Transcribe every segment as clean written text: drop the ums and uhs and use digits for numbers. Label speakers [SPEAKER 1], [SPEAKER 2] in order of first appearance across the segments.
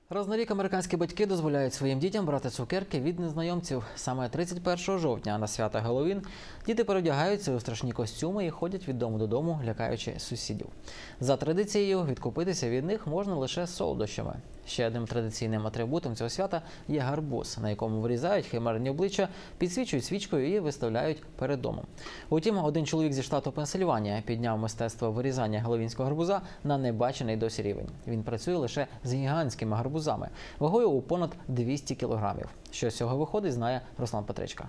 [SPEAKER 1] Раз на рік американські батьки дозволяють своїм дітям брати цукерки від незнайомців. Саме 31 жовтня на свято Геловін діти переодягаються у страшні костюми і ходять від дому додому, лякаючи сусідів. За традицією, відкупитися від них можна лише солодощами. Ще одним традиційним атрибутом цього свята є гарбуз, на якому вирізають химерні обличчя, підсвічують свічкою і виставляють перед домом. Утім, один чоловік зі штату Пенсильванія підняв мистецтво вирізання геловінського гарбуза на небачений досі рівень. Він працює лише з гігантськими гарбузами, вагою у понад 200 кілограмів. Що з цього виходить, знає Руслан Петричка.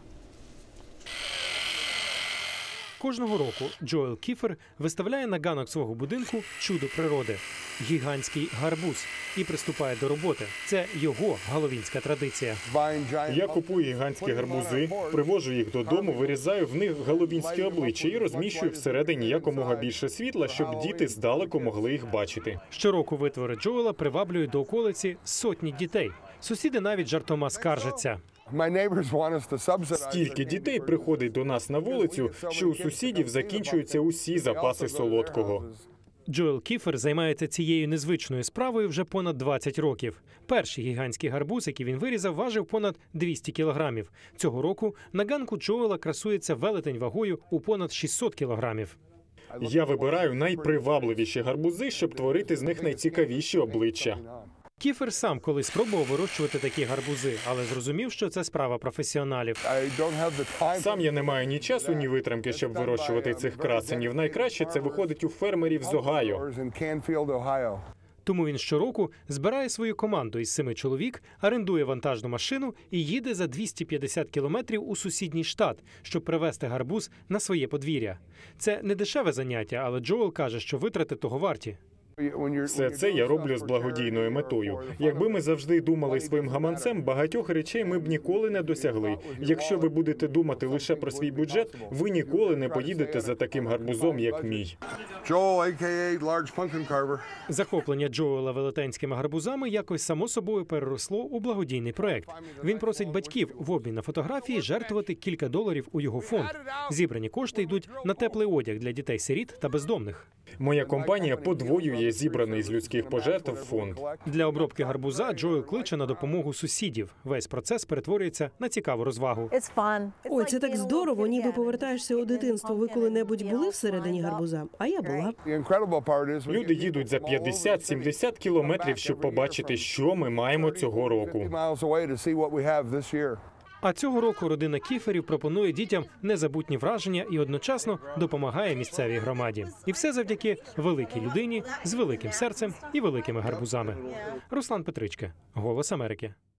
[SPEAKER 2] Кожного року Джоел Кіфер виставляє на ганок свого будинку чудо природи – гігантський гарбуз і приступає до роботи. Це його галовінська традиція.
[SPEAKER 3] Я купую гігантські гарбузи, привожу їх додому, вирізаю в них галовінські обличчя і розміщую всередині якомога більше світла, щоб діти здалеку могли їх бачити.
[SPEAKER 2] Щороку витвори Джоела приваблюють до околиці сотні дітей. Сусіди навіть жартома скаржаться.
[SPEAKER 3] Стільки дітей приходить до нас на вулицю, що у сусідів закінчуються усі запаси солодкого.
[SPEAKER 2] Джоел Кіфер займається цією незвичною справою вже понад 20 років. Перший гігантський гарбуз, який він вирізав, важив понад 200 кілограмів. Цього року на ганку Джоела красується велетень вагою у понад 600 кілограмів.
[SPEAKER 3] Я вибираю найпривабливіші гарбузи, щоб творити з них найцікавіші обличчя.
[SPEAKER 2] Кіфер сам колись спробував вирощувати такі гарбузи, але зрозумів, що це справа професіоналів.
[SPEAKER 3] Сам я не маю ні часу, ні витримки, щоб вирощувати цих красенів. Найкраще це виходить у фермерів з Огайо.
[SPEAKER 2] Тому він щороку збирає свою команду із 7 чоловік, орендує вантажну машину і їде за 250 кілометрів у сусідній штат, щоб привезти гарбуз на своє подвір'я. Це не дешеве заняття, але Джоел каже, що витрати того варті.
[SPEAKER 3] Все це я роблю з благодійною метою. Якби ми завжди думали своїм гаманцем, багатьох речей ми б ніколи не досягли. Якщо ви будете думати лише про свій бюджет, ви ніколи не поїдете за таким гарбузом, як мій.
[SPEAKER 2] Захоплення Джоела велетенськими гарбузами якось само собою переросло у благодійний проект. Він просить батьків в обмін на фотографії жертвувати кілька доларів у його фонд. Зібрані кошти йдуть на теплий одяг для дітей-сиріт та бездомних.
[SPEAKER 3] Моя компанія подвоює зібраний з людських пожертв фонд.
[SPEAKER 2] Для обробки гарбуза Джоел кличе на допомогу сусідів. Весь процес перетворюється на цікаву розвагу.
[SPEAKER 4] Ой, це так здорово, ніби повертаєшся у дитинство. Ви коли-небудь були всередині гарбуза? А я була.
[SPEAKER 3] Люди їдуть за 50-70 кілометрів, щоб побачити, що ми маємо цього року.
[SPEAKER 2] А цього року родина Кіферів пропонує дітям незабутні враження і одночасно допомагає місцевій громаді. І все завдяки великій людині з великим серцем і великими гарбузами. Руслан Петричка, Голос Америки.